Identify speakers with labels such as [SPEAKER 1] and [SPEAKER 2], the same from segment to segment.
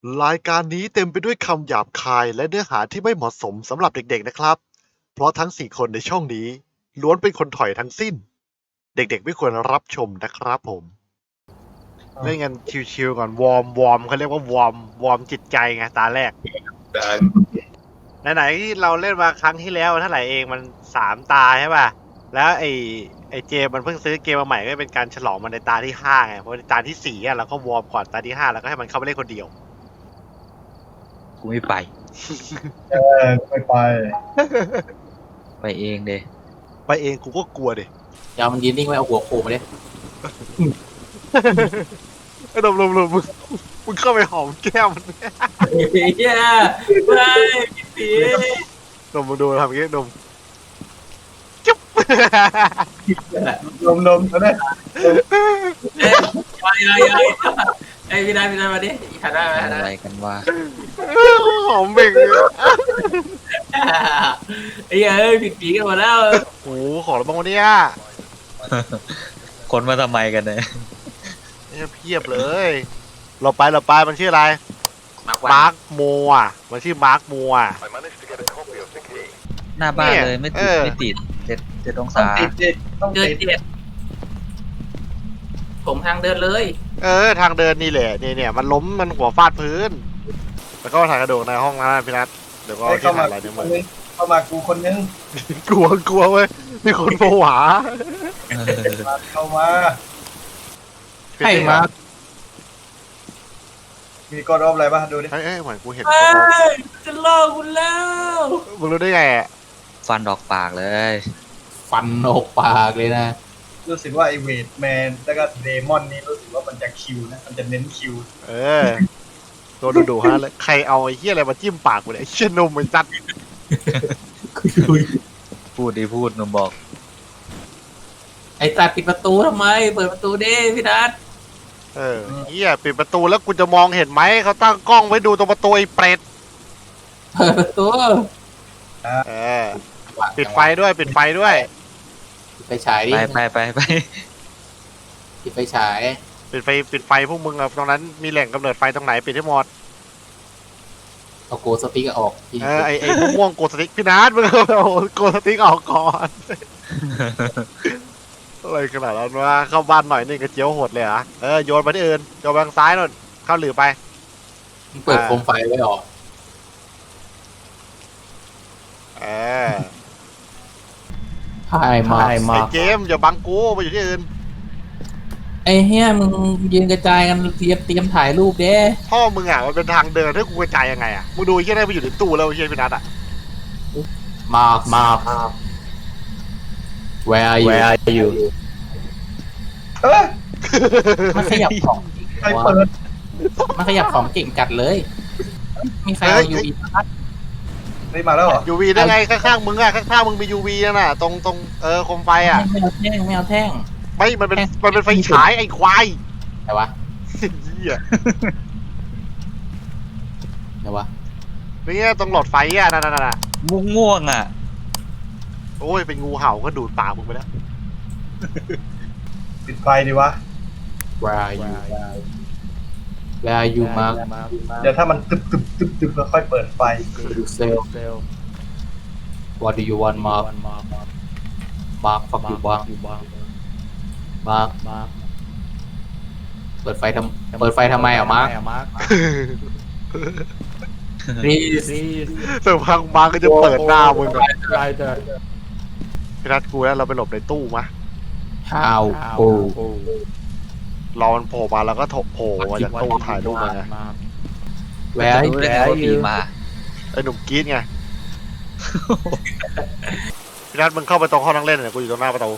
[SPEAKER 1] รายการนี้เต็มไปด้วยคำหยาบคายและเนื้อหาที่ไม่เหมาะสมสำหรับเด็กๆนะครับ เพราะทั้ง4คนในช่องนี้ล้วนเป็นคนถอยทั้งสิ้น เด็กๆไม่ควรรับชมนะครับผมเล่นกันชิวๆก่อนวอร์มเขาเรียกว่าวอร์มจิตใจไงตาแรก ไหนๆที่เราเล่นมาครั้งที่แล้วเท่าไหร่เองมัน3 ตาใช่ป่ะ แล้วไอเจมันเพิ่งซื้อเกมมาใหม่ก็เป็นการฉลองมันในตาที่5ไงเพราะในตาที่4อ่ะเราก็วอร์มก่อนตาที่5แล้วก็ให้มันเข้าไปเล่นคนเดียว
[SPEAKER 2] กูไม่ไป
[SPEAKER 3] ไม่ไป
[SPEAKER 2] ไปเองเด
[SPEAKER 1] ไปเองกูก็กลัวดิ
[SPEAKER 4] ยาวมันยืนนิ่งไว้เอาหัวโขกมาดิ
[SPEAKER 1] ไอ้ดมมึงเข้าไปหอมแก้มมัน
[SPEAKER 4] เฮียไม่ผี
[SPEAKER 1] ดมมึงดูทำอย่างงี้ดมจุ๊บ
[SPEAKER 3] นมก็ได้
[SPEAKER 4] ยายไอ้พี่ได้มาดิหันได้ไหมหัน
[SPEAKER 2] อะ
[SPEAKER 4] ได้
[SPEAKER 2] ไรกันว่า
[SPEAKER 1] หอมเบ่ง
[SPEAKER 4] ไอ้เอ้ยผิดผีกันหมดแล้ว
[SPEAKER 1] โอ้โหขอแล้วบ้างวะเนี่ย
[SPEAKER 2] คนมาทำไมกันเนี่ย
[SPEAKER 1] เนี่ยเพียบเลย เราไปมันชื่ออะไร
[SPEAKER 4] มาร์ค
[SPEAKER 1] มาร์คโมอ่ะมันชื่อมาร์คโมอ่ะ
[SPEAKER 2] หน้าบ้าน
[SPEAKER 1] เนี่ย
[SPEAKER 2] เลยไม่
[SPEAKER 1] เอ
[SPEAKER 2] ติด
[SPEAKER 1] อ
[SPEAKER 2] ไม่ติดเจ็ดอง
[SPEAKER 3] ต้อง
[SPEAKER 2] ศา
[SPEAKER 3] ติดดิต้อง
[SPEAKER 4] เดิน
[SPEAKER 3] ติด
[SPEAKER 4] เจ็ดผมทางเดินเลย
[SPEAKER 1] ทางเดินนี่แหละเนี่ยมันล้มมันหัวฟาดพื้น แล้วก็ถ่ายกระโดดในห้องนั้นนะพี่นัทเดี๋ยวก็
[SPEAKER 3] ให้
[SPEAKER 1] ที่
[SPEAKER 3] เข้ามา
[SPEAKER 1] ถ่ายอะไรเนี่ย
[SPEAKER 3] ค
[SPEAKER 1] มึ
[SPEAKER 3] น
[SPEAKER 1] ง
[SPEAKER 3] นึงเข้ามากูคนนึง
[SPEAKER 1] กลัวเว้ยมีคนโผหา
[SPEAKER 2] เออ
[SPEAKER 3] เข้ามา
[SPEAKER 4] ให้มา
[SPEAKER 3] มีกดออฟอะไรป่ะดูดิ
[SPEAKER 1] เอ้ยเหมือนกูเห็น
[SPEAKER 4] เฮ้ยจะล่อคุณแล้ว
[SPEAKER 1] มึงรู้ได้ไงอะ
[SPEAKER 2] ฟันดอกปากเลย
[SPEAKER 4] ฟันออกปากเลยนะ
[SPEAKER 3] รู้สึกว่าไอเวทแมนแล้วก็เดมอนนี่รู้สึกว่ามันจะคิวนะมันจะเน้นคิว
[SPEAKER 1] ตัวดูฮะเลยใครเอาไอ้เหี้ยอะไรมาจิ้มปากกูเนี่ยไอ้เชี่ยนมไอ้จัด
[SPEAKER 2] พูดหนุ่มบอก
[SPEAKER 4] ไอ้ตาปิดประตูทำไมเปิดประตูดิพี่นัท
[SPEAKER 1] เหี้ยปิดประตูแล้วกูจะมองเห็นไหมเขาตั้งกล้องไว้ดูตรงประตูไอ้เปรต
[SPEAKER 4] เปิดประตู
[SPEAKER 1] ปิดไฟด้วย
[SPEAKER 4] ปิดไฟฉายดิ
[SPEAKER 2] ไป
[SPEAKER 4] ปิดไฟฉาย
[SPEAKER 1] ปิดไฟพวกมึงอะตรงนั้นมีแหล่งกำเนิดไฟตรงไหนปิดให้หมด
[SPEAKER 4] เอาโกสติ๊กออก
[SPEAKER 1] ไอ้ม่วงโกสติ๊กพี่นัทมึงเอาโกสติ๊กออกก่อนอะไรขนาดนั้นวะเข้าบ้านหน่อยนี่กระเจียวโหดเลยเหรอโยนไปที่อื่นโยนไปทางซ้ายนู่นเข้าหลือไป
[SPEAKER 4] เปิดโคมไฟไว้ออก
[SPEAKER 1] เออ
[SPEAKER 4] พายมา
[SPEAKER 1] ไอ้เจมส์อย่าบังกูไปอยู่ที่อื่น
[SPEAKER 4] ไอ้เฮียมึงยืนกระจายกันเตรียมถ่ายรูปเด้
[SPEAKER 1] พ่อมึงอ่ะมันเป็นทางเดินให้กูกระจายยังไงอ่ะมึงดูไอ้เหี้ยได้ไปอยู่ในตู้แล้วไอ้เหี้ยพี่นัทอ่ะ
[SPEAKER 4] มาWhere are you
[SPEAKER 3] เออ
[SPEAKER 4] มันขยับของ
[SPEAKER 3] ใครเปิด
[SPEAKER 4] มันขยับของเก่งจัดเลย มีใครเอายูอีพัด
[SPEAKER 3] นี่มาแล้วเหรอ
[SPEAKER 1] ยูวีได้ไงข้างๆมึงอ่ะข้างๆมึงมียูวีน่ะตรงโคมไฟอ่ะ
[SPEAKER 4] ไม่เอาแท่ง
[SPEAKER 1] ไม่มันเป็นไฟฉายไอ้ควาย
[SPEAKER 4] แต่วะ
[SPEAKER 1] เหี้ยเนี่ยตรงหลอดไฟอ่ะนั่นน่ะ
[SPEAKER 2] ง่วงอ่ะ
[SPEAKER 1] โอ้ยเป็นงูเห่าก็ดูดปากมึงไปแล้ว
[SPEAKER 3] ปิดไฟดีวะ
[SPEAKER 4] Where are you Mark
[SPEAKER 3] เดี๋ยวถ้ามันตึบแล้วค่อยเปิดไฟ
[SPEAKER 4] you sell What do you want Mark fuck you Mark เปิดไฟทำไมอ่ะ Mark please
[SPEAKER 1] สักพักมาก็จะเปิดหน้ามึงอะพี่นัทกูแล้วเราไปหลบในตู้มะ
[SPEAKER 4] how
[SPEAKER 1] รอมันโผล่มาแล้วก็โผล่มาจากตู้ถ่ายรูปมาไง
[SPEAKER 4] Where
[SPEAKER 2] จะรู้ได้ไงว่าผีมา
[SPEAKER 1] ไอ้หนุ่มกรี๊ดไง พี่นัทมึงเข้าไปตรงห้องนั่งเล่นเนี่ยกูอยู่ตรงหน้าประตู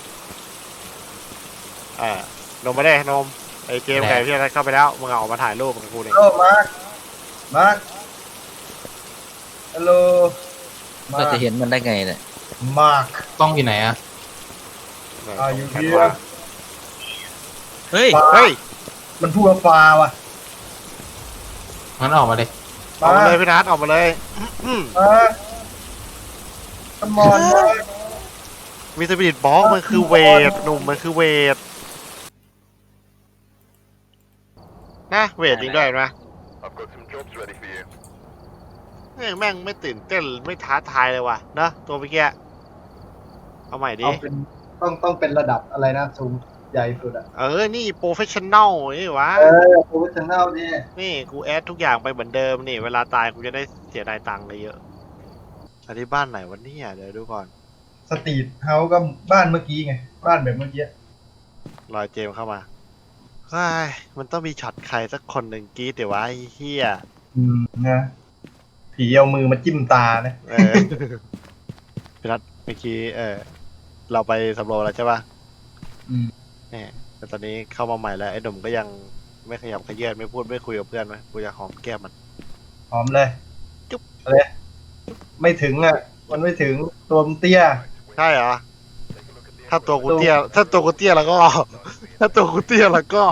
[SPEAKER 1] นมไม่ได้นมไอ้เกมไก่พี่นัทเข้าไปแล้วมึงเอาออกมาถ่ายรูปกับกูเนี่ย
[SPEAKER 3] โอ้มาร์คฮัลโหล
[SPEAKER 2] ก็จะเห็นมันได้ไงเนี่ย
[SPEAKER 3] มาร์ค
[SPEAKER 4] กล้องอยู่ไหนอ่ะ
[SPEAKER 3] อยู่เฮีย
[SPEAKER 2] เฮ้ย
[SPEAKER 1] เฮ้ย
[SPEAKER 3] มันพูดว่าฟ้าว่ะ
[SPEAKER 4] งั้นออกมาเลย
[SPEAKER 1] ออกมาเลยพี่นัทออกมาเลย
[SPEAKER 3] มาขมอนมา
[SPEAKER 1] มีสปิริตบ็อกมันคือเวทหนุ่มมันคือเวทนะเวทจริงด้วยเห็นไหมแม่งไม่ตื่นเต้นไม่ท้าทายเลยว่ะนะตัวเมื่อกี้เอาใหม่ดิ
[SPEAKER 3] เอาเป็นต้องเป็นระดับอะไรนะสูงใหญ่สุดอ่ะ
[SPEAKER 1] นี่โปรเฟชชั่นแนลนี่วะ
[SPEAKER 3] โปรเฟชชั่นแนลนี่
[SPEAKER 1] นี่กูแอดทุกอย่างไปเหมือนเดิมนี่เวลาตายกูจะได้เสียดายตังค์เลยเยอะอันนี้บ้านไหนวันนี้เดี๋ยวดูก่อน
[SPEAKER 3] สตรีทเฮาส์ก็บ้านเมื่อกี้ไงบ้านแบบเมื่อกี้
[SPEAKER 1] รอยเจมส์เข้ามาเฮ้ยมันต้องมีช็อตใครสักคนหนึ่งกรีดเดี๋ยววะไอ้เฮีย
[SPEAKER 3] นะผีเอามือมาจิ้มตานะ
[SPEAKER 1] พี่นัทเมื่อกี้เราไปสำรวจแล้วใช่ปะ
[SPEAKER 3] อืม
[SPEAKER 1] เนี่ยแต่ตอนนี้เข้ามาใหม่แล้วไอ้หนุ่มก็ยังไม่ขยับขยื่นไม่พูดไม่คุยกับเพื่อนไหมกูอยากหอมแก้มมัน
[SPEAKER 3] หอมเลย
[SPEAKER 1] จุ๊บ
[SPEAKER 3] อะไรไม่ถึงอ่ะ มันไม่ถึงตัวมันเตี้ย
[SPEAKER 1] ใช่เหรอถ้าตัวกูเตี้ยถ้าตัวกูเตี้ยแล้วก็ ถ้าตัวกูเตี้ยแล้วก็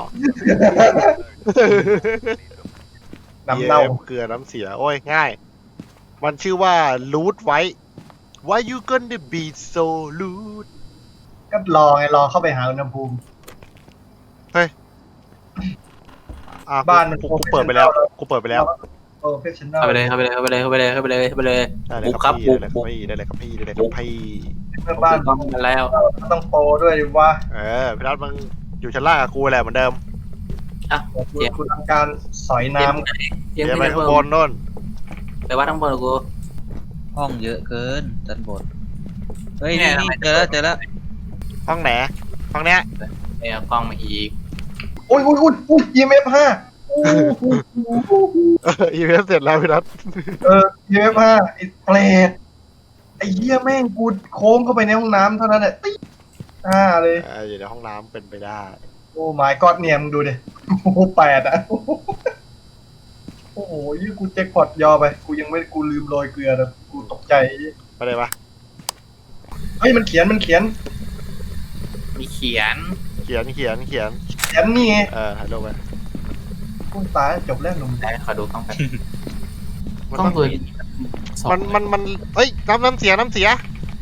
[SPEAKER 3] น้ำเน่า
[SPEAKER 1] เยี่ยมเกลือน้ำเสีย โอ้ย ง่าย มันชื่อว่า loot ไว้ Why you gonna be so loot
[SPEAKER 3] ก็รอไงรอเข้าไปหาอุณหภูมิ บ้านมัน
[SPEAKER 1] กูเปิดไปแล้ว กูเปิดไปแล้ว
[SPEAKER 3] โปรเฟชชั่นแนล
[SPEAKER 4] เข้าไปเลยเข้าไปเลยเข้าไปเลยเข้าไปเลยเข้าไปเลยเข้าไปเลย
[SPEAKER 1] ได้เลย
[SPEAKER 4] บุก
[SPEAKER 1] ค
[SPEAKER 4] ครั
[SPEAKER 1] รับบ พี่
[SPEAKER 4] บุก
[SPEAKER 1] ได้เลยครับพี่ได้เลยครับพี่ได้เลยครับพี่
[SPEAKER 3] เมื่อบ้าน
[SPEAKER 4] ต้องมาแล้ว
[SPEAKER 3] ต้องโปรด้วยดิว่า
[SPEAKER 1] พี่นัทมึงอยู่ชั้นล่างกับกูแหละเหมือนเดิม
[SPEAKER 4] อ่ะ
[SPEAKER 3] คุณทำการสอยน้ำ
[SPEAKER 4] เจียม
[SPEAKER 1] เดี๋ยวไป
[SPEAKER 4] ขึ้น
[SPEAKER 1] ข้างบนนู่น
[SPEAKER 4] ไปว่าทั้งบนกู
[SPEAKER 2] ห้องเยอะเกินด้านบนเฮ้ย
[SPEAKER 4] เนี่
[SPEAKER 2] นี่
[SPEAKER 4] ย
[SPEAKER 2] เจอแล้วเจอแล้ว
[SPEAKER 1] ห้องไหน ห้องเนี้ย
[SPEAKER 4] ไปเอากล้องมาอีก
[SPEAKER 3] อุ้ยEMF 5
[SPEAKER 1] อีเวนต์เสร็จแล้วพี่นัท
[SPEAKER 3] EMF 5ไอ้เปรตไอ้เหี้ยแม่งกูโค้งเข้าไปในห้องน้ำเท่านั้นแหละติ๊กเลย
[SPEAKER 1] อยู่ในห้องน้ำเป็นไปได้
[SPEAKER 3] โอ้ my god เนี่ยมึงดูดิโอ้โห8อ่ะ โอ้โหยี่กูแจ็คพอตยอไป กูยังไม่กูลืมโรยเกลือนะกูตกใจ
[SPEAKER 1] ไปเลยปะ
[SPEAKER 3] เฮ้ยมันเขียน
[SPEAKER 4] มีเขียน
[SPEAKER 1] เขียน
[SPEAKER 3] เขียนนี่ไง
[SPEAKER 1] ถ่ายรูปไป
[SPEAKER 3] กูตายจบแล้วหนุ่ม
[SPEAKER 4] ได้ขอดูกล้องกัน
[SPEAKER 1] มัน
[SPEAKER 4] กล้อง
[SPEAKER 1] ต้อง
[SPEAKER 4] ตัวนี้สอง
[SPEAKER 1] มันเอ้ยน้ำเสียน้ำเสีย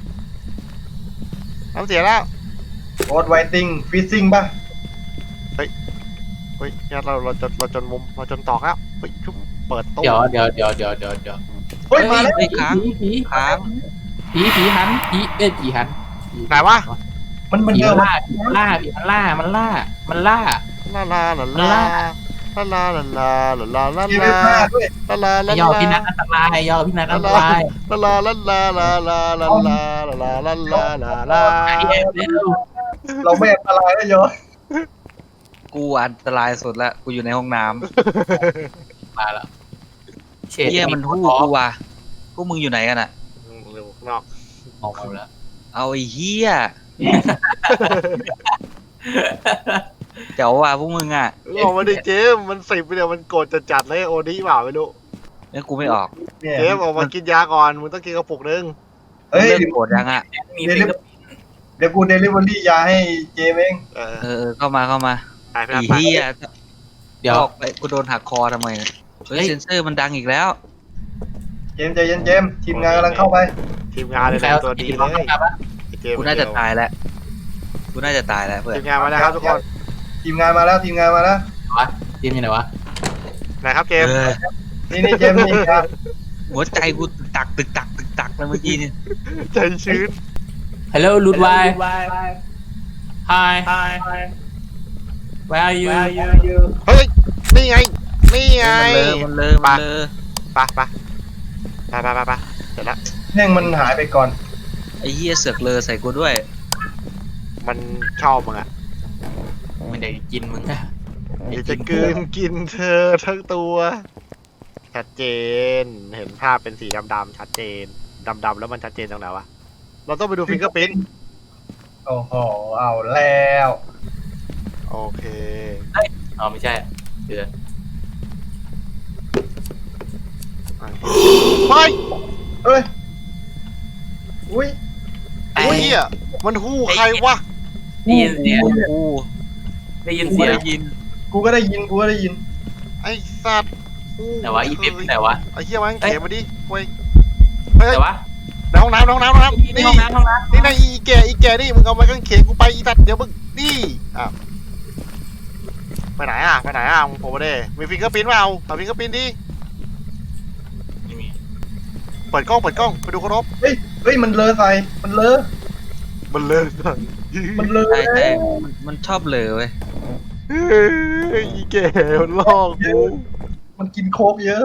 [SPEAKER 1] แล้ว
[SPEAKER 3] โอ๊ตไวติ้งฟิซซิ่งป่ะ
[SPEAKER 1] เฮ้ยเนี่ยเราจนมุมเราจนตอกแล้วเฮ้ยชุบเปิดตู้
[SPEAKER 4] เดี๋ยว
[SPEAKER 3] เฮ้ยมาแล้ว
[SPEAKER 2] เฮ้ยค้าง
[SPEAKER 4] ผี
[SPEAKER 2] ค้าง
[SPEAKER 4] ผีหันผีหัน
[SPEAKER 1] ไหนวะ
[SPEAKER 3] มัน
[SPEAKER 4] ผี
[SPEAKER 3] เดิน
[SPEAKER 4] ล่าผีล่ามันล่า
[SPEAKER 1] ลาลาลาลาลาลาลาลาลาลาลาลาลาลา
[SPEAKER 3] เขียนมาด้วย
[SPEAKER 1] ลาลาลา
[SPEAKER 4] ย่อพี่นัทอันตรายย่อพี่นัทอันตราย
[SPEAKER 1] ลาลาลาลาลาลาลาลาลาลาลาลาลา
[SPEAKER 3] เราไม่อันตรายแล้วโย
[SPEAKER 2] กูอันตรายสุดละกูอยู่ในห้องน้
[SPEAKER 4] มาแล้ว
[SPEAKER 2] ำเฮียมันหู้กูว่ะพวกมึงอยู่ไหนกันอ่ะ
[SPEAKER 1] เร็วข้างนอก
[SPEAKER 4] ออกมาแล้ว
[SPEAKER 2] เอาไอ้เฮียเจ๋วว่ะพวกมึงอ่ะ
[SPEAKER 1] ออกมาดิเจมมัน10ไปเดียวมันโกรธจัดเลยโอนี้เปล่าไม่รู้
[SPEAKER 2] งั้นกูไม่ออก
[SPEAKER 3] เนี่ย
[SPEAKER 1] เจมออกมากินยาก่อนมึงต้องกินกระปุกนึง
[SPEAKER 3] เฮ้ย
[SPEAKER 2] เริ่มโกรธยังอ่ะ
[SPEAKER 4] มีฟิงเกอร์
[SPEAKER 3] เดี๋ยวกูเดลิเวอรี่ยาให้เจมเอง
[SPEAKER 2] เข้ามา
[SPEAKER 1] ไป
[SPEAKER 2] ไอ้
[SPEAKER 1] ไป
[SPEAKER 2] เฮีย
[SPEAKER 4] เดี๋ยว
[SPEAKER 2] ออกไปกูโดนหักคอทำไมเนี่ยเฮ้ยเซนเซอร์มันดังอีกแล้ว
[SPEAKER 3] เจมใจเย็นเจมทีมงานกำลังเข้าไป
[SPEAKER 1] ทีมงานเลย
[SPEAKER 4] ใครเอา
[SPEAKER 1] ตัวดี
[SPEAKER 4] ผี
[SPEAKER 1] เล
[SPEAKER 4] มาย ครับ
[SPEAKER 1] เจม
[SPEAKER 2] กูน่าจะตายแล้วกูน่าจะตายแล้วเพื่อน
[SPEAKER 1] ทีมงานมาแล้วครับทุกคน
[SPEAKER 3] ทีมงานมาแล้วทีมงานมาแล้ว
[SPEAKER 4] ทีมอยู่ไหนวะ
[SPEAKER 1] ไหนครับเจม
[SPEAKER 3] นี่เจมนี่ครับ
[SPEAKER 2] หัวใจกูตึกตักเลยเมื่อกี้นี่
[SPEAKER 1] ใจชื้น
[SPEAKER 4] Hello ลูดไว Hi Where are you
[SPEAKER 1] เฮ้ยนี่ไงนี่ไง
[SPEAKER 2] มันเลอ
[SPEAKER 1] ไปไปเสร็จแล้ว
[SPEAKER 3] แม่งมันหายไปก่อน
[SPEAKER 2] ไอ้เหี้ยเสือกเลอใส่กูด้วย
[SPEAKER 1] มันชอบมึงอ่ะ
[SPEAKER 4] มันได้กินมึง
[SPEAKER 1] เดี๋ยวจะกลืนกินเธอทั้งตัว ชัดเจนเห็นภาพเป็นสีดำๆชัดเจนดำๆแล้วมันชัดเจนตรงไหนวะเราต้องไปดูฟิงเกอร์พิ้น
[SPEAKER 3] โอ้โหเอาแล้ว
[SPEAKER 1] โอเค
[SPEAKER 4] อ๋อไม่ใช่เดือ
[SPEAKER 1] ไป
[SPEAKER 3] เอ้ยอุ้ย
[SPEAKER 1] อุ้ยเหี้ยมันหู้ใครวะ
[SPEAKER 4] ได้ยินเสียง
[SPEAKER 2] กู
[SPEAKER 4] ได้ยินเสียง
[SPEAKER 2] ได้ยิน
[SPEAKER 3] กูก็ได้ยิน
[SPEAKER 1] ไอ้สัตว์หู้
[SPEAKER 4] แต่ว่าอีเฟแต่ว่า
[SPEAKER 1] ไอ้เหี้ยมันเขียนมาดิเว้ยเฮ้ย
[SPEAKER 4] แต่ว่า
[SPEAKER 1] ในห้องน้ำนี่
[SPEAKER 4] ห้องน้ำ
[SPEAKER 1] นี่นายอีแก่นี่มึงเอาไม้กางเขนกูไปอีสัตว์เดี๋ยวมึงนี่อ่ะไปไหนอ่ะมึงผมมาดิมีฟิงเกอร์พิ้นเปล่าเอาฟิงเกอร์พิ้นดิเปิดกล้องไปดูเคารพ
[SPEAKER 3] เฮ้ยมันเลอะใส่มันเลอะ
[SPEAKER 1] มันเลยสั่ง
[SPEAKER 3] มันเลอะ
[SPEAKER 2] ใช่ใช่มันชอบเหลอเว้ย
[SPEAKER 1] เฮ้ยอีแก่มันลอกกู
[SPEAKER 3] มันกินโค้กเยอะ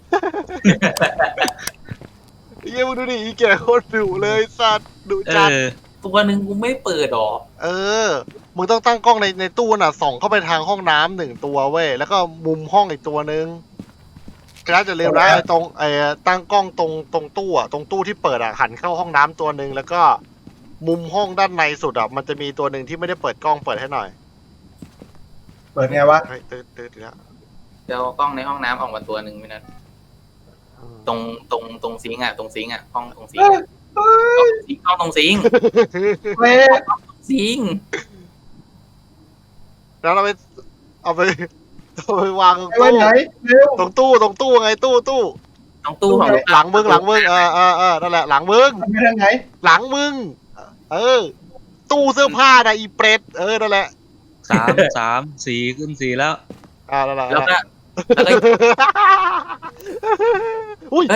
[SPEAKER 1] เฮียมึงดูดิอีแก่โคตรดุเลยสัตว์ดุ
[SPEAKER 2] เอ
[SPEAKER 1] จัด
[SPEAKER 2] อ
[SPEAKER 4] ตัวหนึ่งกูไม่เปิดหรอ
[SPEAKER 1] เออ มึงต้องตั้งกล้องในตู้น่ะส่องเข้าไปทางห้องน้ำหนึ่งตัวเว้ย แล้วก็มุมห้องอีกตัวนึงกระจะเร็วนะไอ้ตรงตั้งกล้องตรงตู้อ่ะตรงตู้ที่เปิดอ่ะหันเข้าห้องน้ำตัวนึงแล้วก็มุมห้องด้านในสุดอ่ะมันจะมีตัวหนึ่งที่ไม่ได้เปิดกล้องเปิดให้หน่อย
[SPEAKER 3] เปิดไงวะ
[SPEAKER 1] เฮ้ยตื่นแล้ว
[SPEAKER 4] เดี๋ยวเอากล้องในห้องน้ำออกมาตัวหนึ่งไม่นั้นตรงซิงค์อ่ะตรงซิงค์อ่ะห้องตรงซิงค์อะกล้องตรงซิงค์
[SPEAKER 3] เว้ย
[SPEAKER 4] ซิงค์
[SPEAKER 1] แล้วเอาไปวาง
[SPEAKER 3] ไว้ไหนเร็ว
[SPEAKER 1] ตรงตู้ไงตู้
[SPEAKER 4] ตรงตู้ของ
[SPEAKER 1] หลังมึงนั่นแหละหลังมึง
[SPEAKER 3] ไปทางไหน
[SPEAKER 1] หลังมึงตู้เสื้อผ้านะอีเปรตนั่นแหละ
[SPEAKER 2] 3 4ขึ้น 4แล้ว
[SPEAKER 1] นั่นแหละ
[SPEAKER 4] แล้วก็
[SPEAKER 1] อุ้ย
[SPEAKER 4] เฮ้ย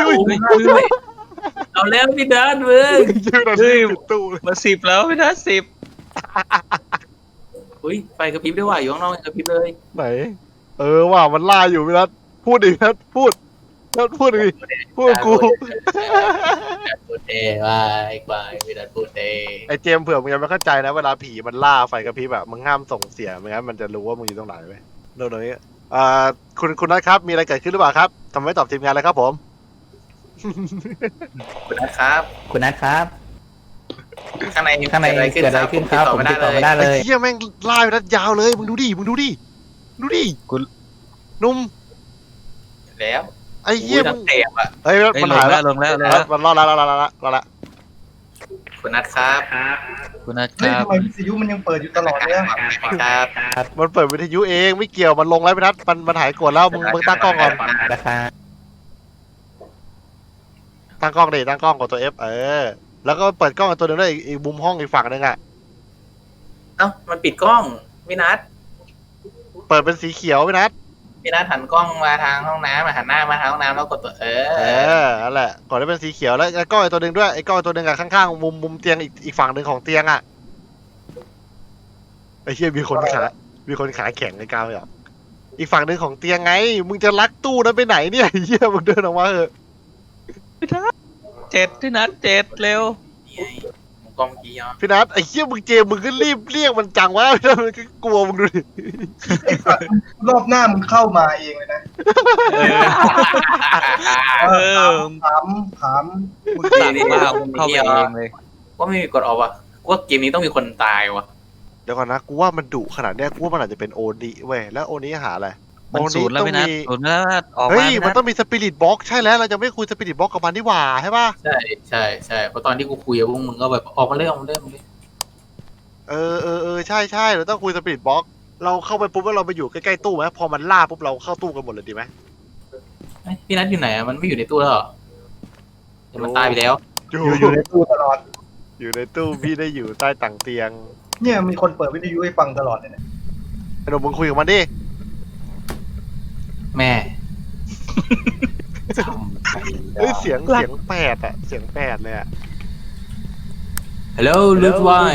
[SPEAKER 4] เอาแล้วพี่ดันมึง
[SPEAKER 1] ยืนอะไรปิดตู้เลย
[SPEAKER 2] มา10แล้วไม่ได้10
[SPEAKER 4] อุ้ยไฟกระพริบด้วยว่ะอยู่ข้างนอกกระพริบเลย
[SPEAKER 1] ไหนว่ามันล่าอยู่พี่นัทพูดดิพี่นัทพูดดิพูดกับกู
[SPEAKER 4] พูดเอว่าไอ้ควายพี่ดันพูดเอ
[SPEAKER 1] ไอเจมส์เผื่อมึงยังไม่เข้าใจนะเวลาผีมันล่าไฟกระพริบแบบมึงห้ามส่งเสียงไม่งั้นมันจะรู้ว่ามึงอยู่ตรงไหนเว้ยโน่นนี้คุณนัทครับมีอะไรเกิดขึ้นหรือเปล่าครับทำไมไม่ตอบทีมงานเลยครับผม
[SPEAKER 4] คุณนัทครับ
[SPEAKER 5] คุณนัทครับ
[SPEAKER 4] ข้างใน
[SPEAKER 5] ข้างในเกิดอะไรขึ้นครับผมติดต่อไม่ได้
[SPEAKER 1] ไอ้
[SPEAKER 5] เลย
[SPEAKER 1] เหี้ยแม่งล่าไปนัดยาวเลยมึงดูดิคุณนุ่ม
[SPEAKER 4] แล้ว
[SPEAKER 1] ไอ้เหี้ย
[SPEAKER 4] นั
[SPEAKER 1] มึ
[SPEAKER 4] ท
[SPEAKER 1] ง
[SPEAKER 4] เตะอ่ะ
[SPEAKER 1] เฮ้ย
[SPEAKER 2] เฮ้ย
[SPEAKER 1] มัน
[SPEAKER 2] ล
[SPEAKER 1] หาย
[SPEAKER 2] ง
[SPEAKER 1] แล้
[SPEAKER 2] แล้ว วลงแล้ว
[SPEAKER 1] มันรอดแล้ว
[SPEAKER 4] คุณนัทครับ
[SPEAKER 2] คุณนัทค
[SPEAKER 3] เฮ้ย
[SPEAKER 2] รับ
[SPEAKER 3] ทำไมวิทยุมันยังเปิดอยู่ตลอดเนี่ย
[SPEAKER 4] ครับ
[SPEAKER 1] มันเปิดวิทยุเองไม่เกี่ยวมันลงแล้วพี่นัทมันหายกดแล้วมึงตั้งกล้องก่อน
[SPEAKER 5] นะครับ
[SPEAKER 1] ตั้งกล้องดิตั้งกล้องกดตัว F แล้วก็เปิดกล้องอีกตัวหนึงด้วยอีกมุมห้องอีกฝั่งหนึงอ่ะ
[SPEAKER 4] เอ้ามันปิดกล้องพี่นัท
[SPEAKER 1] เปิดเป็นสีเขียวพี่นัท
[SPEAKER 4] พี่นัทหันกล้องมาทางห้องน้ำหันหน้ามาทางห้องน้ำแล้วกดตัว
[SPEAKER 1] นั่นแหละกดได้เป็นสีเขียวแล้วกล้องอีกตัวหนึงด้วยไอ้กล้องอีกตัวหนึงอ่ะข้างๆมุมเตียงอีกฝั่งหนึ่งของเตียงอ่ะไอ้เหี้ยมีคนขาแข็งในกลางเลยอ่ะอีกฝั่งหนึ่งของเตียงไงมึงจะลักตู้นั้นไปไหนเนี่ยไอ้เหี้ยมึงเดินออกมาเถอะ
[SPEAKER 2] 7ที่นัด7เร็ว
[SPEAKER 4] นี่ไงกล้องกี้อ่ะ
[SPEAKER 1] พี่นัทไอ้เหี้ยมึงเจมมึงก็รีบเรียกมันจังวะพี่นัทมันก็กลัวมึงดูดิ
[SPEAKER 3] ไอ้สัตว์รอบหน้ามึงเข้ามาเองเลยนะ
[SPEAKER 2] เออ
[SPEAKER 3] ถามมึง
[SPEAKER 2] สั่งมาเข้าไปเองเลย
[SPEAKER 4] ว่าไม่มีกดออกว่ะว่าเกมนี้ต้องมีคนตายว่ะ
[SPEAKER 1] เดี๋ยวก่อนนะกูว่ามันดุขนาดเนี้ยกูว่ามันอาจจะเป็นโอนิเว้ยแล้วโอนิหาอะไร
[SPEAKER 2] มันศูนย์แล้วไม่นัดศูนย์แล้วออก
[SPEAKER 1] เฮ้
[SPEAKER 2] มาย
[SPEAKER 1] มันต้องมีสปิริตบ็อกใช่แล้วเราจะไม่คุยสปิริตบ็อกกับมันนี่หว่าใช่ป่ะ
[SPEAKER 4] ใช่เพราะตอนที่กูคุยกับพวกมึงก็แบบออกมาเลย
[SPEAKER 1] ใช่เราต้องคุยสปิริตบ็อกเราเข้าไปปุ๊บแล้วเราไปอยู่ใกล้ๆตู้ไหมพอมันล่าปุ๊บเราเข้าตู้กันหมดเลยดีไหม
[SPEAKER 4] พี่นัทอยู่ไหนมันไม่อยู่ในตู้แล้วหรอมันตายไปแล้ว
[SPEAKER 3] อยู่ในตู้ตลอด
[SPEAKER 1] อยู่ในตู้พี่ได้อยู่ใต้ต่างเตียง
[SPEAKER 3] เนี่ยมีคนเปิดวิทยุให้ฟังตลอดเลยเนี่ย
[SPEAKER 1] ไอ้หนุ่มมึงคุยกับมันดิ
[SPEAKER 4] แม่
[SPEAKER 1] เฮ้ยเสียงแปดอะเสียงแปดเลยอะ
[SPEAKER 4] ฮัลโหลลูดวาย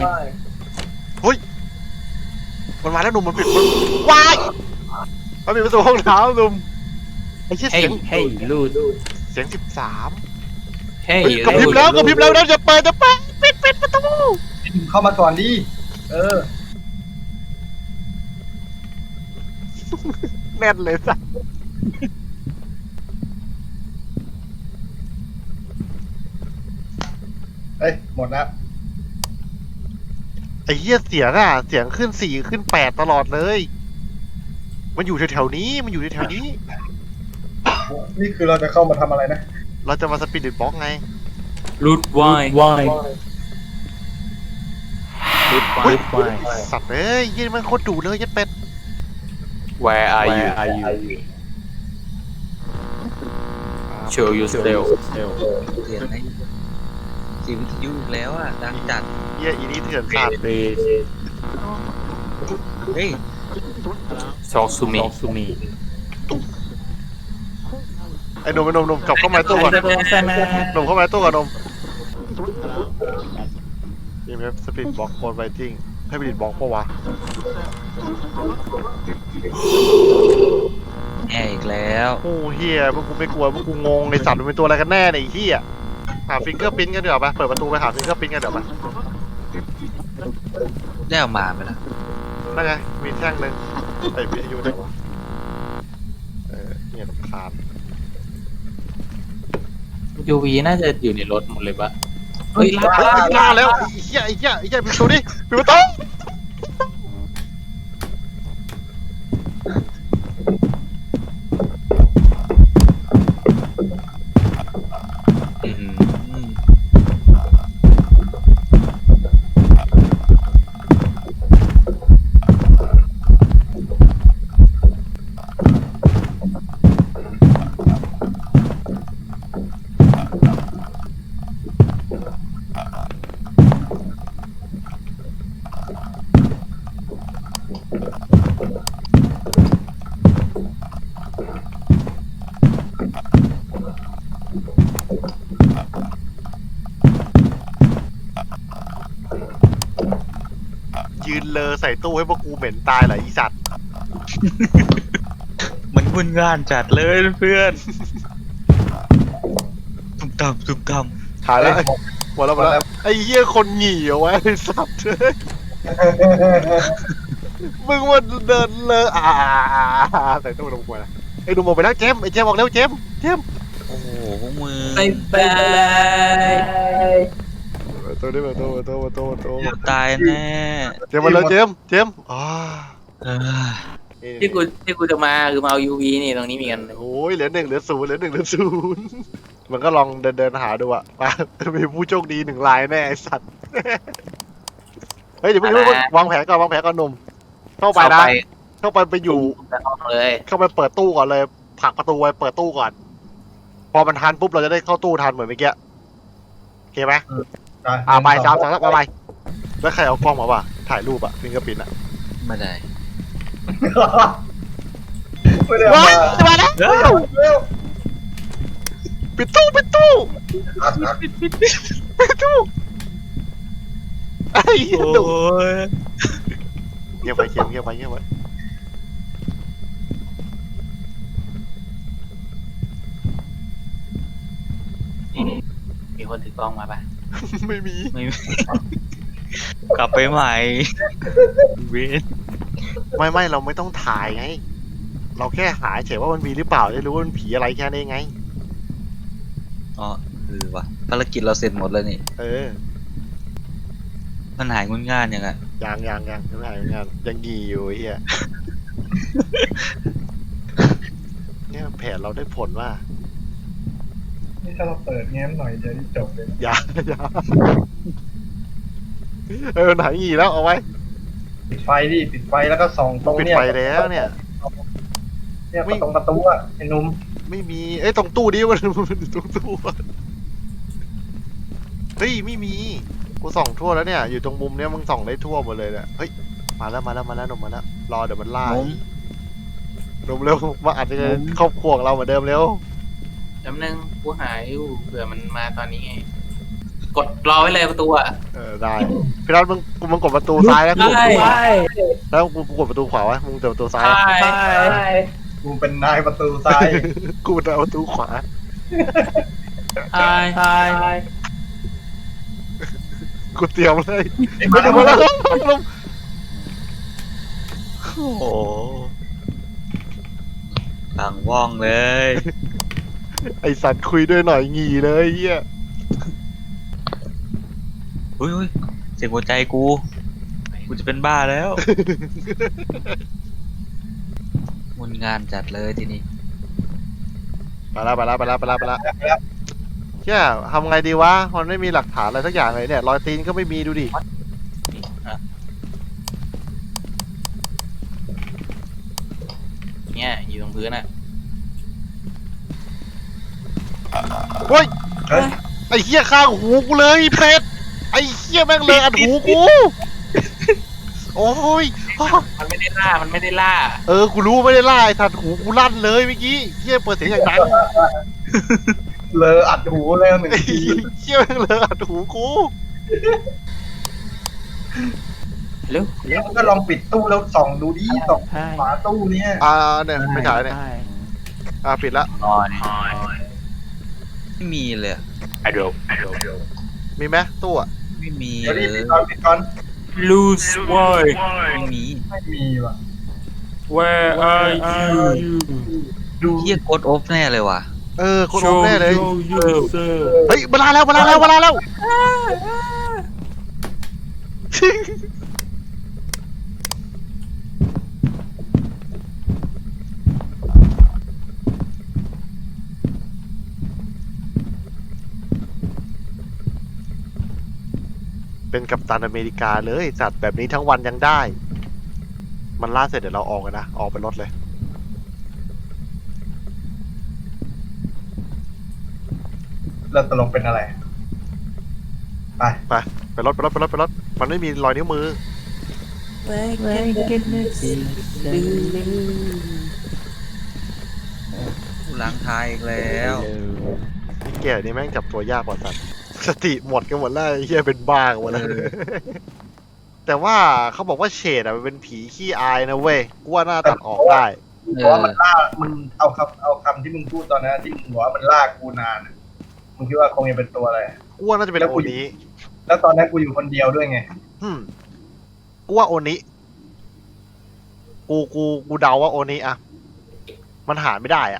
[SPEAKER 1] มันมาแล้วหนุ่มมันปิดมันวายมันปิดประตูห้องน้ำหนุ่มไอ้เชี่ยเสียง
[SPEAKER 5] เฮ้ยลูด
[SPEAKER 1] เสียง13
[SPEAKER 4] เฮ้ย
[SPEAKER 1] เฮ้ยกระพริบแล้วนะจะเปิดปิดประตู
[SPEAKER 3] เข้ามาก่อนดิ
[SPEAKER 1] แน่นเลยสัส
[SPEAKER 3] เอ้ยหมดแล้ว
[SPEAKER 1] ไอ้เหี้ยเสียงเสียงขึ้น4ขึ้น8ตลอดเลย มันอยู่แถวๆนี้มันอยู่แถวๆนี้
[SPEAKER 3] นี่คือเราจะเข้ามาทำอะไรนะ
[SPEAKER 1] เราจะมาสปิริตบ็อกไง
[SPEAKER 4] ลูดวาย
[SPEAKER 5] วาย
[SPEAKER 1] อุ๊ยสัตว์เอ้ยยี่มันโคตรดุเลยยัดเป็ด
[SPEAKER 4] Where are you
[SPEAKER 5] you
[SPEAKER 4] Show yourself
[SPEAKER 2] เสียงไหนเสียงวิทยุอีกแล้วอ่ะดังจัด
[SPEAKER 1] เหี้ยอีนี่เถื่อนสัตว์
[SPEAKER 2] เฮ้ย
[SPEAKER 4] Talk to me
[SPEAKER 5] ซูมี
[SPEAKER 1] ไอ้หนุ่มกลับเข้ามาในตู้ก่อน
[SPEAKER 5] ใช่ไหม
[SPEAKER 1] หนุ่มเข้ามาในตู้ก่อนหนุ่มนี่ครับสปีดบล็อกโคดไวติ้งให้สปีดบล็อกปะวะ
[SPEAKER 2] แย่อีกแล้ว
[SPEAKER 1] โอ้เฮียพวกกูไม่กลัวพวกกูงงในสัตว์มันเป็นตัวอะไรกันแน่เนี่ยไอ้เฮียหาฟิงเกอร์พิ้นกันเดี๋ยวไปเปิดประตูไปหาฟิงเกอร์พิ้นกันเดี๋ยวไป
[SPEAKER 2] ได้เอามาไหมล่ะ
[SPEAKER 1] นั่นไงมีแท่งหนึ่งไอ้วิทยุไหนวะเนี่ยรำคาญ
[SPEAKER 4] ยูวีน่าจะอยู่ในรถหมดเลยปะ
[SPEAKER 3] เฮ้ย
[SPEAKER 1] ล่าแล้วไอ้เหี้ยปิดประตูดิปิดประตู
[SPEAKER 2] อืม
[SPEAKER 1] ยืนเลอใส่ตู้ให้พวกกูเหม็นตายเหรออีสัตว์
[SPEAKER 2] มันวุ่นงานจัดเลยเพื่อนตุ้มตามตุ้มตาม
[SPEAKER 1] หายแล้วหมดแล้วไอ้เหี้ยคนหงี่เอาไว้ไอ้สัตว์มึงว่าเดินเลอใส่ตู้ลงไปนะไอ้ดูมองไปแล้วเจมไอ้เจมบอกเร็วเจม
[SPEAKER 2] โอ้โหพวกมึง
[SPEAKER 4] บายบาย
[SPEAKER 1] ตัวนี้มาตัว
[SPEAKER 2] เดี๋ยวตายแน่
[SPEAKER 1] เจมมาเลยเจมอ๋อ
[SPEAKER 2] เออ
[SPEAKER 4] ที่กูจะมาคือมาเอายูวีนี่ตรงนี้มีกัน
[SPEAKER 1] โอ้ยเหลือ1เหลือ0มันก็ลองเดินหาดูอะมามีผู้โชคดี1รายแน่ไอ้สัตว์เฮ้ยเดี๋ยวมึงวางแผนก่อนหนุ่มเข้าไปนะเข้าไปอยู่
[SPEAKER 4] แต่ห้องเลย
[SPEAKER 1] เข้าไปเปิดตู้ก่อนเลยผลักประตูไว้เปิดตู้ก่อน พอมันทันปุ๊บเราจะได้เข้าตู้ทันเหมือนเมื่อกี้โอเคไหมไป3 2 1ไปแล้วใครเอากล้องมาวะถ่ายรูปอะฟิงเกอร์พิ้นอะ
[SPEAKER 2] ไม่ได้
[SPEAKER 3] ไม่ได้
[SPEAKER 1] ว้าย
[SPEAKER 3] มา
[SPEAKER 1] จะมาแล้ว
[SPEAKER 3] เร็ว
[SPEAKER 1] ปิดตู้ไอ้เหี้ยดุ
[SPEAKER 2] โอ้ย
[SPEAKER 1] เงียบไป
[SPEAKER 4] มีคนถือกล้องมาปะ
[SPEAKER 1] ไม่มี
[SPEAKER 2] ไม่กลับไปใหม่เวน
[SPEAKER 1] ไม่เราไม่ต้องถ่ายไง เราแค่หาเฉยว่ามันมีหรือเปล่าจะรู้ว่ามันผีอะไรแค่นี้ไง
[SPEAKER 2] อ๋อคือวะภารกิจเราเสร็จหมดแล้วนี่
[SPEAKER 1] เออ
[SPEAKER 2] มันหายงุนง่านยังไง
[SPEAKER 1] ยังไม่หายงานยังงีอยู่ไอ้เฮียเนี่ยแผนเราได้ผลว่า
[SPEAKER 3] นี่ถ้าเราเปิดแง้มหน่อยเดี๋ยวนี่จบเลย
[SPEAKER 1] อย่าหายงีแล้วเอาไว้
[SPEAKER 3] ปิดไฟดิปิดไฟแล้วก็ส่องตรง
[SPEAKER 1] ปิด
[SPEAKER 3] เนี่ย
[SPEAKER 1] ไฟแล้วเนี่ย
[SPEAKER 3] เนี่ยตรงประตูอ่ะไอ้หนุ่ม
[SPEAKER 1] ไม่มีตรงตู้ดิมันตรงตู้เฮ้ยไม่มีกูส่องทั่วแล้วเนี่ยอยู่ตรงมุมเนี้ยมึงส่องได้ทั่วหมดเลยเนี่ยเฮ้ยมาแล้วหนุ่มมาแล้วรอเดี๋ยวมันล่าหนุ่มเร็วมาอัดในครอบครัวของเราเหมือนเดิมเร็ว
[SPEAKER 4] จำนึงกูหายอยู่เผื่อมันมาตอนนี้ไงกดรอไว้เลยประตูอ่ะ
[SPEAKER 1] ได้พี่รัฐมึงกดประตูซ้ายแล้วกู
[SPEAKER 4] ได้
[SPEAKER 1] แล้วกูกดประตูขวาไว้มึงเปิดประตูซ้าย
[SPEAKER 3] กูเป็นนายประตูซ้าย
[SPEAKER 1] กูเปิดประตูขวา กูเตรียมเลยไม่ดูมาแล้ว
[SPEAKER 2] โอ้โหต่างว่องเลย
[SPEAKER 1] ไอสัตว์คุยด้วยหน่อยงีเลยเฮีย
[SPEAKER 2] อุ้ยเสียงหัวใจกูจะเป็นบ้าแล้วงุนงานจัดเลยทีนี้
[SPEAKER 1] ไปละเฮียทำไงดีวะมันไม่มีหลักฐานอะไรสักอย่างเลยเนี่ยรอยตีนก็ไม่มีดูดิ
[SPEAKER 4] เนี่ยอยู่ตรงพื้นอ่ะ
[SPEAKER 1] เฮ้ยไอเฮียข้างหูกูเลยเป็ดไอเฮียแม่งเลยอัดหูกูโอ้ย
[SPEAKER 4] มันไม่ได้ล่ามันไม่ได้ล่า
[SPEAKER 1] เออกูรู้ไม่ได้ล่าไอ้สัตว์หูกูลั่นเลยเมื่อกี้เฮียเปิดเสียงอย่างดัง
[SPEAKER 3] เลออัดหูแล้วหนึ่งที
[SPEAKER 1] เฮียแม่งเลยอัดหูกู
[SPEAKER 2] เร็ว
[SPEAKER 3] แล้วก็ลองปิดตู้แล้วส่องดูดิส่อง
[SPEAKER 5] ใช่
[SPEAKER 3] ฝาตู้เนี่ย
[SPEAKER 1] เนี่ยไม่ถ่ายเนี่ย
[SPEAKER 5] ใช่
[SPEAKER 1] ปิดละ
[SPEAKER 2] ไม่มีเลยอะ
[SPEAKER 1] มีไหมตู้อะ
[SPEAKER 2] ไม่มี
[SPEAKER 3] เดี๋ยว
[SPEAKER 2] เล
[SPEAKER 3] นี้
[SPEAKER 2] ย
[SPEAKER 3] ปิดก่อน
[SPEAKER 4] lose why
[SPEAKER 2] ไม่มี
[SPEAKER 3] ไม่มีว่ะ
[SPEAKER 4] where are you
[SPEAKER 3] ดู
[SPEAKER 2] เฮียกดออฟแน่เลยว่ะ
[SPEAKER 1] คนโอมแน่เลย
[SPEAKER 4] yourself
[SPEAKER 1] เฮ้ยเวลาแล้ว เป็นกัปตันอเมริกาเลยจัดแบบนี้ทั้งวันยังได้ มันล่าเสร็จเดี๋ยวเราออกกันนะ ออกไปรถเลย
[SPEAKER 3] แล้วตกลงเป็นอะไร ไป
[SPEAKER 1] ไปรถ มันไม่มีรอยนิ้วมือ
[SPEAKER 2] กูล้างท้ายอีกแล้ว
[SPEAKER 1] นี่แก่นี่แม่งจับตัวยากกว่าสัตว์สติหมดกันหมดแล้วไอ้เฮียเป็นบ้ากันหมดแล้ว แต่ว่าเขาบอกว่าเฉดอะมันเป็นผีขี้อายนะเว้ยกูว่าน่าตัดออกได้
[SPEAKER 3] เพราะว่ามันล่ามึงเอาคำที่มึงพูดตอนนั้นที่มึงบอกว่ามันล่ากูนานอะมึงคิดว่าคงจะเป็นตัวอะไร
[SPEAKER 1] กูว่าน่าจะเป็นโอนี้
[SPEAKER 3] แล้วตอนนั้นกูอยู่คนเดียวด้วยไง
[SPEAKER 1] กูว่าโอนี้กูเดาว่าโอนี้อะมันหาไม่ได้อะ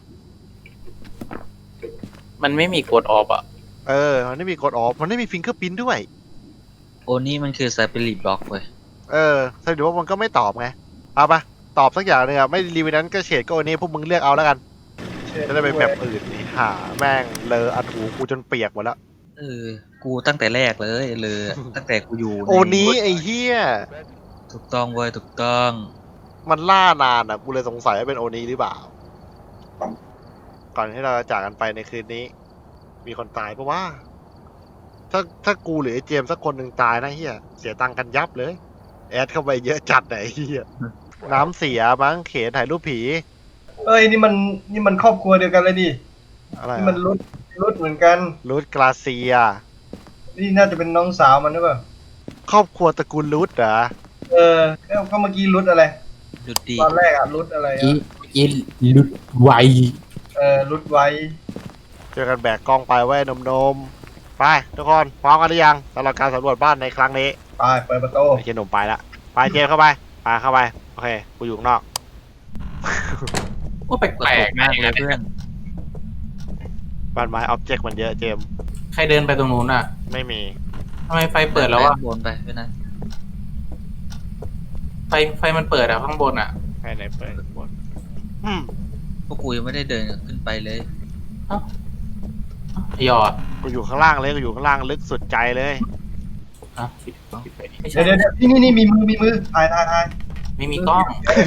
[SPEAKER 4] มันไม่มีกดออฟอ่ะ
[SPEAKER 1] มันไม่มีกดออฟมันไม่มีฟิงเกอร์พิ้นด้วย
[SPEAKER 2] โอนี่มันคือสปิริตบล็อกเว้ย
[SPEAKER 1] แสดงว่ามันก็ไม่ตอบไงเอาปะตอบสักอย่างหนึงอะไม่รีวิวนั้นก็เฉดก็โอนี้พวกมึงเลือกเอาแล้วกันจะได้ไปแบบอื่นนี่หาแม่งเลออัดหูกูจนเปียกหมดแล้ว
[SPEAKER 2] กูตั้งแต่แรกเลยตั้งแต่กูอยู่ใน
[SPEAKER 1] โอนี้ไอ้เหี้ย
[SPEAKER 2] ถูกต้องเว้ยถูกต้อง
[SPEAKER 1] มันล่านานอ่ะ กูเลยสงสัยว่าเป็นโอนี้หรือเปล่า ก่อนที่เราจะจากกันไปในคืนนี้ มีคนตายปะว่า ถ้ากูหรือไอ้เจมส์สักคนหนึ่งตายนะเฮียเสียตังค์กันยับเลย แอดเข้าไปเยอะจัดไหนเฮียน้ำเสียมั้งเขนถ่ายรูปผี
[SPEAKER 3] เอ้ยนี่มันครอบครัวเดียวกันเลยดิ
[SPEAKER 1] อะไร
[SPEAKER 3] นี่มันรุดเหมือนกัน
[SPEAKER 1] รูทกราเซีย
[SPEAKER 3] นี่น่าจะเป็นน้องสาวมันหรือเปล่า
[SPEAKER 1] ครอบครัวตระกูลรูทเหรอ
[SPEAKER 3] ก็เมื่อกี้รุดอะไร
[SPEAKER 2] ดุดดี
[SPEAKER 3] ตอนแรกอะรุดอะไรอะ
[SPEAKER 5] อีลุดไว
[SPEAKER 3] รุดไว้
[SPEAKER 1] เจอกันแบกกล้องไปไว้นมๆไปทุกคนพร้อมกันหรือยังสำหรับการสำรวจบ้านในครั้งนี้
[SPEAKER 3] ไปเปิดประตู
[SPEAKER 1] ไอ้เจนหนุ่มไปละไปเจมส์เข้าไปเข้าไปโอเคกูอยู่ข้างนอก
[SPEAKER 4] ว่าแป
[SPEAKER 2] กระ
[SPEAKER 4] ล
[SPEAKER 2] ตุ
[SPEAKER 4] ก
[SPEAKER 2] ก
[SPEAKER 4] ๆ
[SPEAKER 2] มาก
[SPEAKER 4] นะ
[SPEAKER 2] เลยเพื่อน
[SPEAKER 1] บ้านไม้ออบเจกต์มันเยอะเจมส์
[SPEAKER 4] ใครเดินไปตรงนู้นอ่ะ
[SPEAKER 1] ไม่มี
[SPEAKER 4] ทำไมไฟเปิดแล้วอ่ะ
[SPEAKER 2] บนไปเพื่อนนะ
[SPEAKER 4] ไฟมันเปิดอ่ะข้างบนอ่ะ
[SPEAKER 1] ใครไหนเปิดบน
[SPEAKER 2] พวกกูยังไม่ได้เดินขึ้นไปเลย
[SPEAKER 4] หยอด
[SPEAKER 1] กูอยู่ข้างล่างเลยกูอยู่ข้างล่างลึกสุดใจเลย
[SPEAKER 4] ปิดไฟดิไม่ใช่
[SPEAKER 3] เดี๋ยวนี่มีมือถ่าย
[SPEAKER 4] ไม่มีกล้อง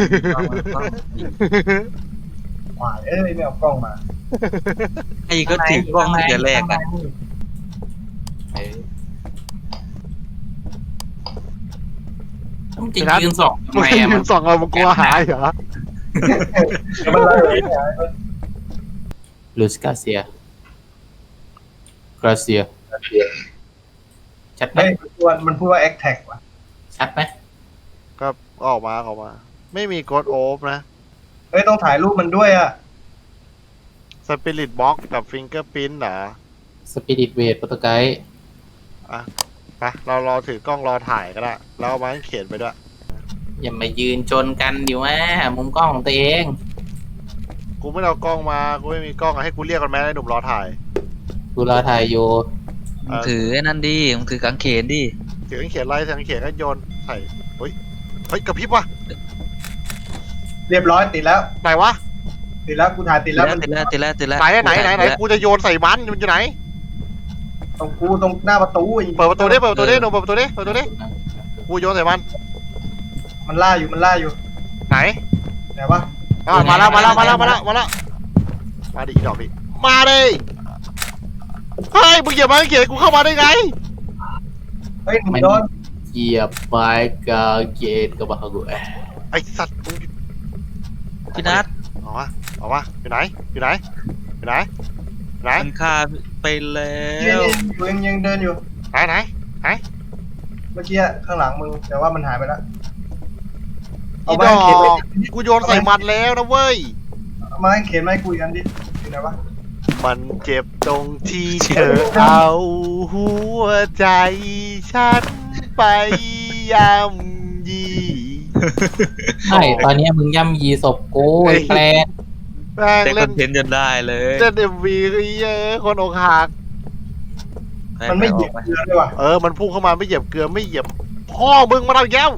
[SPEAKER 3] หวายไม่เอากล้องมา
[SPEAKER 2] ไอ้ก็ถือกล้องตั้งแต่แรกอ่ะ
[SPEAKER 4] ต้องจริงยืนสองทำไมอ่ะ
[SPEAKER 1] มึงส่องเรามึงกลัวหายเหรอ
[SPEAKER 3] เดี๋ยวมันไล่เลย
[SPEAKER 4] ลูสกาเซียกราเซียชัดไหม
[SPEAKER 3] เฮ้ยมันพูดว่าแอคแท็กว่ะ
[SPEAKER 4] ชัดไหม
[SPEAKER 1] ก็ออกมาไม่มีกดโอฟนะ
[SPEAKER 3] เฮ้ยต้องถ่ายรูปมันด้วยอ่ะ
[SPEAKER 1] สปิริตบ็อกกับฟิงเกอร์พิ้นเหรอ
[SPEAKER 4] สปิริตเวทโปรโตไกด์
[SPEAKER 1] ไปเรารอถือกล้องรอถ่ายก็ได้แล้วเอามาให้เขียนไปด้วย
[SPEAKER 4] อย่ามายืนชนกันดิวะมุมกล้องของตัวเอง
[SPEAKER 1] กูไม่เอากล้องมากูไม่มีกล้องอะให้กูเรียกกันไหมไอ้หนุ่มรอถ่าย
[SPEAKER 4] กูรอถ่ายอยู่
[SPEAKER 2] มึงถือไอ้นั่นดิมึงถือกางเขนดิ
[SPEAKER 1] ถือเขียนอะไรถือเขียนก็โยนใส่เฮ้ยกระพริบว่ะ
[SPEAKER 3] เรียบร้อยติดแล้ว
[SPEAKER 1] ไหนวะ
[SPEAKER 3] ติดแล้วกูถ่ายติ
[SPEAKER 2] ติ
[SPEAKER 3] ด
[SPEAKER 2] ด
[SPEAKER 3] แล้ว
[SPEAKER 2] แล้วติดแล้วติดแล้วติดแล้ว
[SPEAKER 1] ไหนกูจะโยนใส่มันอยู่ไหน
[SPEAKER 3] ตรงหน้าประตู
[SPEAKER 1] เปิดประตูดิหนุ่มเปิดประตูดิกูโยนใส่มัน
[SPEAKER 3] มันล่าอยู่
[SPEAKER 1] ไหน
[SPEAKER 3] ไหนวะ
[SPEAKER 1] มาแล้วมาดิดอกดิมาดิเฮ้ยมึงเหยียบมาเขียนกูเข้ามาได้ไง
[SPEAKER 3] เฮ้ยหนุ่มโดน
[SPEAKER 4] เหยียบไม้กางเกงกับมากู
[SPEAKER 1] ไอ้สัตว์มึง
[SPEAKER 2] พี่นัท
[SPEAKER 1] ออกมาอยู่ไหนอยู่ไหนอยู่ไหนไหน
[SPEAKER 2] มันฆ่าไปแล้
[SPEAKER 3] นี่
[SPEAKER 2] ว
[SPEAKER 3] ยังเดินอยู่
[SPEAKER 1] ไหน
[SPEAKER 3] เมื่อกี้ข้างหลังมึงแต่ว่ามันหายไปแล้ว
[SPEAKER 1] อี
[SPEAKER 3] เอา
[SPEAKER 1] ด
[SPEAKER 3] ไม้
[SPEAKER 1] อก
[SPEAKER 3] เข็นไป
[SPEAKER 1] กูโยนใส่มันแล้วนะเว้ย
[SPEAKER 3] เอาไม้เข็นไม้คุยกันดิอยู่ไหนวะ
[SPEAKER 1] มันเจ็บตรงที่เธอเอาหัวใจฉันไปย่ำยี
[SPEAKER 5] ใช่ตอนเนี้ยมึงย่ำยีศพกูไอ้แปลก
[SPEAKER 1] แม่ง
[SPEAKER 2] แต่ค
[SPEAKER 1] เล่
[SPEAKER 2] อน นเทนต์จนได้เลย
[SPEAKER 1] เล่น MV คือเยอะคนอกหัก
[SPEAKER 3] มันไม่เหยียบเรือเลยว่ะ
[SPEAKER 1] มันพุ่งเข้ามาไม่เหยียบเกลือไม่เหยียบพ่อมึงมาเอาอีกแล้ว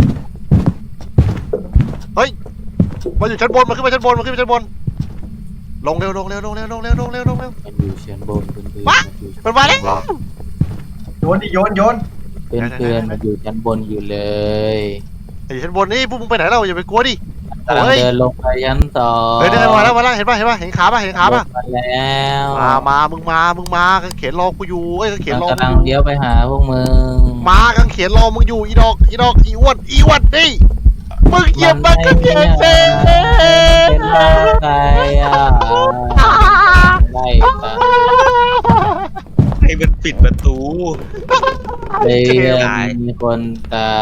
[SPEAKER 1] เฮ้ยมาอยู่ชั้นบนมาขึ้นมาชั้นบนลงเร็ว
[SPEAKER 5] มันอยู่ชั้นบนเพื่อนๆ
[SPEAKER 1] วะ
[SPEAKER 5] มันอยู่
[SPEAKER 1] มันมาแล้ว
[SPEAKER 3] โยนดิโยน
[SPEAKER 5] เพื่อนๆมันอยู่ชั้นบนอยู่เลย
[SPEAKER 1] ไอ้ชั้นบนนี่พวกมึงไปไหนเราอย่าไปกลัวดิ
[SPEAKER 5] กำลังเดินลงไปชั้นสอง
[SPEAKER 1] เฮ้ยมาแล้วเห็นป่ะเห็นขาป่ะ
[SPEAKER 5] ลงมาแล้ว
[SPEAKER 1] มึงมากางเขนรอกูอยู่กางเขนรอ
[SPEAKER 5] มันกำลังเลี้ยวไปหาพวกมึง
[SPEAKER 1] มากางเขนรอมึงอยู่อีดอกอีอ้วนนี่มึงเหยียบมันกางเขนเซ่
[SPEAKER 5] เป็นอะไรอ่ะไล่ตาม
[SPEAKER 2] ให้มันปิดประตู
[SPEAKER 5] เรื่องมีคนตาย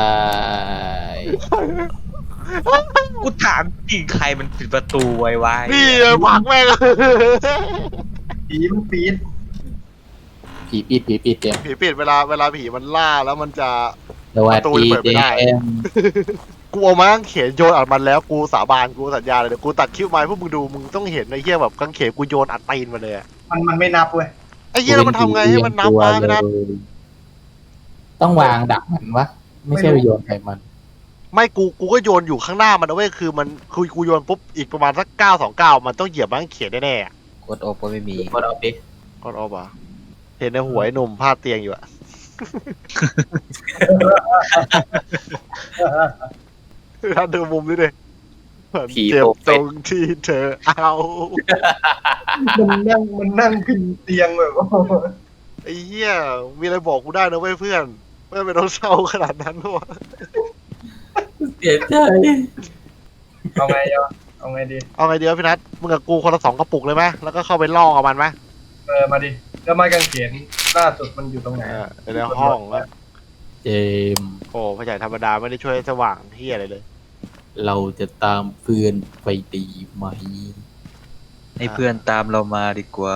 [SPEAKER 2] กูถามจริงใครมันปิดประตูไว้
[SPEAKER 1] นี่ผักแม่ง
[SPEAKER 3] ๆผีมันปีน
[SPEAKER 5] ผีปิดเนี่ย
[SPEAKER 1] ผีปิดเวลาผีมันล่าแล้วมันจะ
[SPEAKER 5] สวัส
[SPEAKER 1] ประตู
[SPEAKER 5] ดี
[SPEAKER 1] เปิดไม่
[SPEAKER 5] เจ
[SPEAKER 1] ได้
[SPEAKER 5] เอ็ม
[SPEAKER 1] กูเอามากางเขนโยนอัดมันแล้วกูสาบานกูสัญญาเลยเดี๋ยวกูตัดคลิปมาให้พวกมึงดูมึงต้องเห็นไอ้เหี้ยแบบกางเขนกูโยนอัดตีนมาเลยอะ
[SPEAKER 3] มันไม่นับเว้ย
[SPEAKER 1] ไอ้เหี้ยแล้วมันทำไงให้มันนับมาไม่นับ
[SPEAKER 5] ต้องวางดักมันวะไม่ใช่ไปโยนใส่มัน
[SPEAKER 1] ไม่กูก็โยนอยู่ข้างหน้ามันนะเว้ยคือมันคือกูโยนปุ๊บอีกประมาณสัก929มันต้องเหยียบมันเขียนแน่ๆอะ
[SPEAKER 2] กดอบก็ไม่มี
[SPEAKER 5] กดเอาดิ
[SPEAKER 1] ก็เอาป่ะเห็นในหัวไอ้หนุ่มพาดเตียงอยู่อะถ้าดูมุมนี้ดิเจ็บตรงที่เธอเอา
[SPEAKER 3] มันนั่งพิงเตียงแบบโอ้โห
[SPEAKER 1] ไอ้เหี้ยมีอะไรบอกกูได้นะเว้ยเพื่อนไม่เป็นต้องเศร้าขนาดนั้นหรอ
[SPEAKER 5] เสียใจ
[SPEAKER 3] เอาไงยอเอาไงดี
[SPEAKER 1] เอาไงดีวะพี่นัทมึงกับกูคนละ2 กระปุกเลยไหมแล้วก็เข้าไปล่อกับมันไหม
[SPEAKER 3] มาดิแล้วไม้กางเขนล่าสุดมันอยู่ตรงไหน
[SPEAKER 1] ในห้องแล้ว
[SPEAKER 5] เจมส์
[SPEAKER 1] โอ้พ่อใหญ่ธรรมดาไม่ได้ช่วยสว่างเหี้ยอะไรเลย
[SPEAKER 5] เราจะตามเพื่อนไปดีไหม
[SPEAKER 2] ให้เพื่อนตามเรามาดีกว่า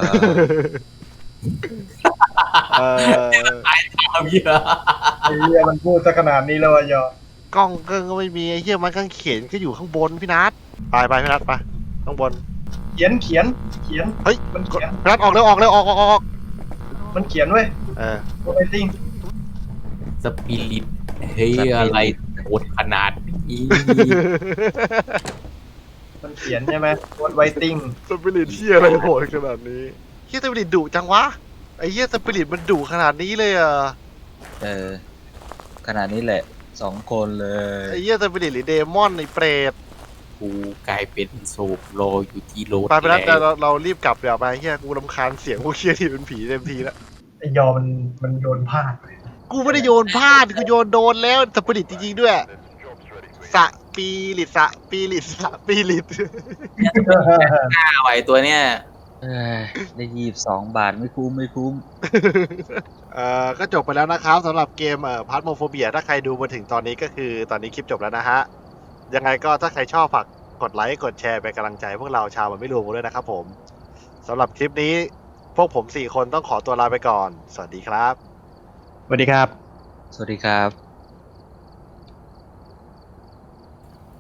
[SPEAKER 1] เออ
[SPEAKER 5] เอาเยอะ
[SPEAKER 3] ไอ้เหี้ยมันพูดซะขนาดนี้แล้วอะยอก
[SPEAKER 1] ล้องเกิ้งก็ไม่มีไอ้เหี้ยมันกางเขนก็อยู่ข้างบนพี่นัทไปพี่นัทไปข้างบน
[SPEAKER 3] เขียน
[SPEAKER 1] เฮ้ย
[SPEAKER 3] มันเขียน
[SPEAKER 1] พี่นัทออกเร็วออก
[SPEAKER 3] มันเขียนเว้ย
[SPEAKER 1] เออ
[SPEAKER 3] โอเวติ้ง
[SPEAKER 5] สปิริตเฮ้ยอะไรโหดขนาดนี้
[SPEAKER 3] มันเขียนใช่ไหมวอดไวติ้ง
[SPEAKER 1] สปิริตเหี้ยอะไรโหดขนาดนี้เหี้ยสปิริตดุจังวะไอ้เหี้ยสปิริตมันดุขนาดนี้เลยอ่ะ
[SPEAKER 2] ขนาดนี้แหละ2 คนเลย
[SPEAKER 1] ไอ้เหี้ยสปิริตหรือเดมอนไอ้เปรต
[SPEAKER 5] กูกลายเป็นศพรออยู่ที่รถ
[SPEAKER 1] ไปนัท
[SPEAKER 5] แล้ว
[SPEAKER 1] เรารีบกลับเดี๋ยวไปเหี้ยกูรำคาญเสียงพวกเหี้ยที่เป็นผีเต็มทีแล้ว
[SPEAKER 3] ไอ้ยอมันโยนพลาดไป
[SPEAKER 1] กูไม่ได้โยนพลาดกูโยนโดนแล้วสปิริตจริงๆด้วยสปิริต
[SPEAKER 5] หน้าไหวตัวเนี้ย
[SPEAKER 2] ได้22 บาทไม่คุ้ม
[SPEAKER 1] ก็จบไปแล้วนะครับสำหรับเกมพาร์ทโมโฟเบียถ้าใครดูมาถึงตอนนี้ก็คือตอนนี้คลิปจบแล้วนะฮะยังไงก็ถ้าใครชอบฝากกดไลค์กดแชร์เป็นกำลังใจพวกเราชาวมันไม่รวมกันด้วยนะครับผมสำหรับคลิปนี้พวกผม4 คนต้องขอตัวลาไปก่อนสวัสดีครับ
[SPEAKER 3] สวัสดีครับ
[SPEAKER 2] สวัสดีครับ